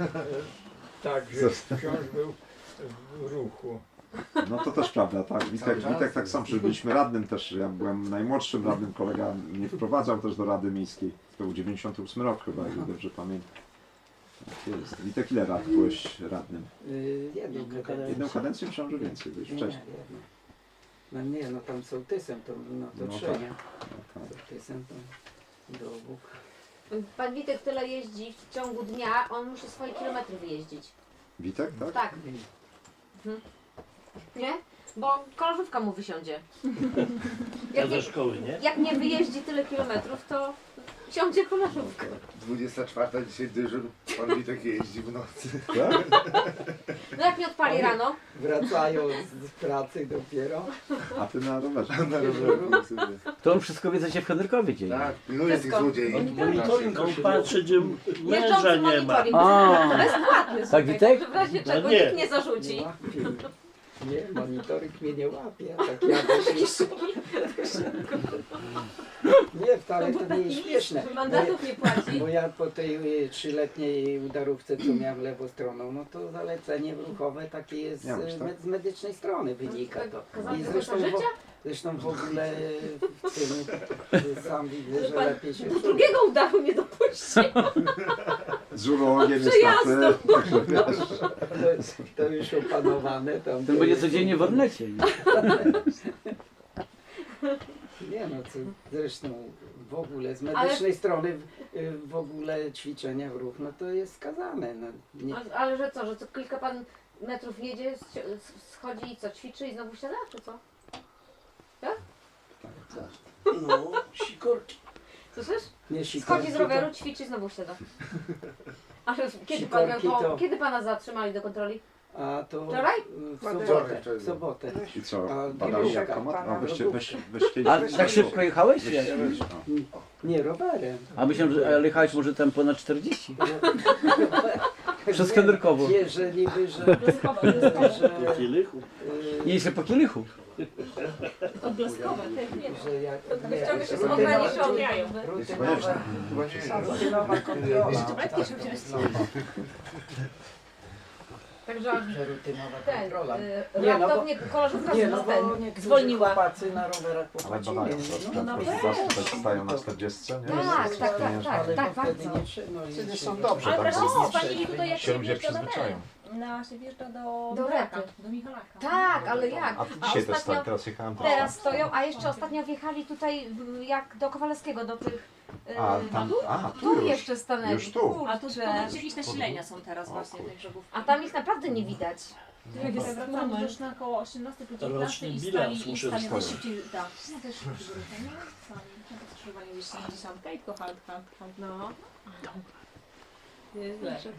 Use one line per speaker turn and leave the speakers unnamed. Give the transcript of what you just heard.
Tak, że wciąż był w ruchu.
No to też prawda, tak. Witek tak sam, że byliśmy radnym też, ja byłem najmłodszym radnym, kolega mnie wprowadzał też do Rady Miejskiej. To był 98 rok chyba, jak dobrze pamiętam. Tak jest. Witek, ile lat byłeś radnym? Jedną kadencję myślałem, że więcej, byłeś wcześniej.
No nie, no tam sołtysem to, no to
No
trzy,
tak.
nie?
No tak.
Sołtysem to do obu.
Pan Witek tyle jeździ w ciągu dnia, on musi swoje kilometry wyjeździć.
Witek, tak?
Tak. Nie? Bo koleżówka mu wysiądzie.
Ja ze szkoły, nie?
Jak nie wyjeździ tyle kilometrów, to siądzie koleżówka.
24 dzisiaj dyżur, pan Witek jeździ w nocy.
No jak nie odpali rano,
Wracają z pracy dopiero.
A ty na rowerze.
Na rowerze sobie.
To on wszystko wie, co się w Henrykowie dzieje.
Tak, pilnuje tych
Wszystko.
złodziei.
Monitoring on patrzy, gdzie męża
jeżdżący
nie ma.
monitoring,
A.
bezpłatny.
Tak,
słuchaj,
Witek?
że w razie
No
czego
nie.
nikt nie zarzuci.
Nie łapie. Nie, monitoring mnie nie łapie. Tak jakoś... Nie, wcale to nie jest śmieszne.
Mandatów nie płaci.
Bo ja po tej 3-letniej udarówce, co miałem lewostroną, no to zalecenie ruchowe takie jest
Ja myślę, tak.
z medycznej strony wynika to.
Kazali
I
do
zresztą,
końca życia?
zresztą w ogóle w tym sam widzę, że
Pan
lepiej się...
drugiego udaru nie dopuści.
Z urologiem
Przyjazdu.
niestety. Także wiesz.
To już opanowane. Tam
To będzie codziennie w Ornecie.
Nie no, co, zresztą w ogóle z medycznej strony w ogóle ćwiczenia w ruch, no to jest skazane. No, nie,
Ale że co, że co kilka pan metrów jedzie, schodzi i co, ćwiczy i znowu siada, czy co?
No, sikorki.
Słyszysz?
nie
Schodzi z roweru, ćwiczy i znowu siada. Ale kiedy, pan miał
Sikorki to-
kiedy pana zatrzymali do kontroli?
A to
Wczoraj?
w sobotę.
I co,
A
badali
nie
jak
wiem,
komat?
pana
No weź
A tak szybko jechałeś?
Nie, rowerem.
A myślałem, że jechałeś może tam ponad 40. Przez Henrykowo.
Nie, że niby, że...
Do Kielichu.
Nie, jeszcze po Kielichu.
Odblaskowe,
że jak...
Wyciąga się z
rutynowa-
ograniczony.
Rutynowa kontrola.
Także
Że rutynowa
ten,
kontrola.
raptownie koleżówka
Nie,
z
no
ten
bo niektórzy
zwolniła.
chłopacy na rowerach
Ale
popłacili.
badają,
No,
na
no,
przykład tutaj stają na 40, nie?
Tak, tak,
ale
tak,
to wtedy
bardzo.
nie trzeba. No,
Wtedy
nie
są
trzeba.
dobrze,
Ale
tak
wreszcie
jest.
spalili tutaj jak
Się ludzie
wjeżdża na
przyzwyczają.
się wjeżdża do
Do
Michalaka,
Repy.
do Michalaka.
Tak, ale jak?
A dzisiaj też
ostatnio-
tak, teraz jechałem też.
Teraz stoją, a jeszcze ostatnio wjechali tutaj jak do Kowalewskiego, do tych...
A, tam, tu
Tu
już.
jeszcze stanęli.
Już tu.
A tu
Kurczę.
jakieś nasilenia są teraz właśnie tych brzegów.
A tam ich naprawdę nie widać.
Wracamy też na około 18 po 19
Roczny
i
bilans
stali
muszę
stali
wstawić.
szybciej. Tak, ja też szybciej sami. Ja też skrzyżowanie gdzieś 70 i tylko halt.
No.
Nieźle.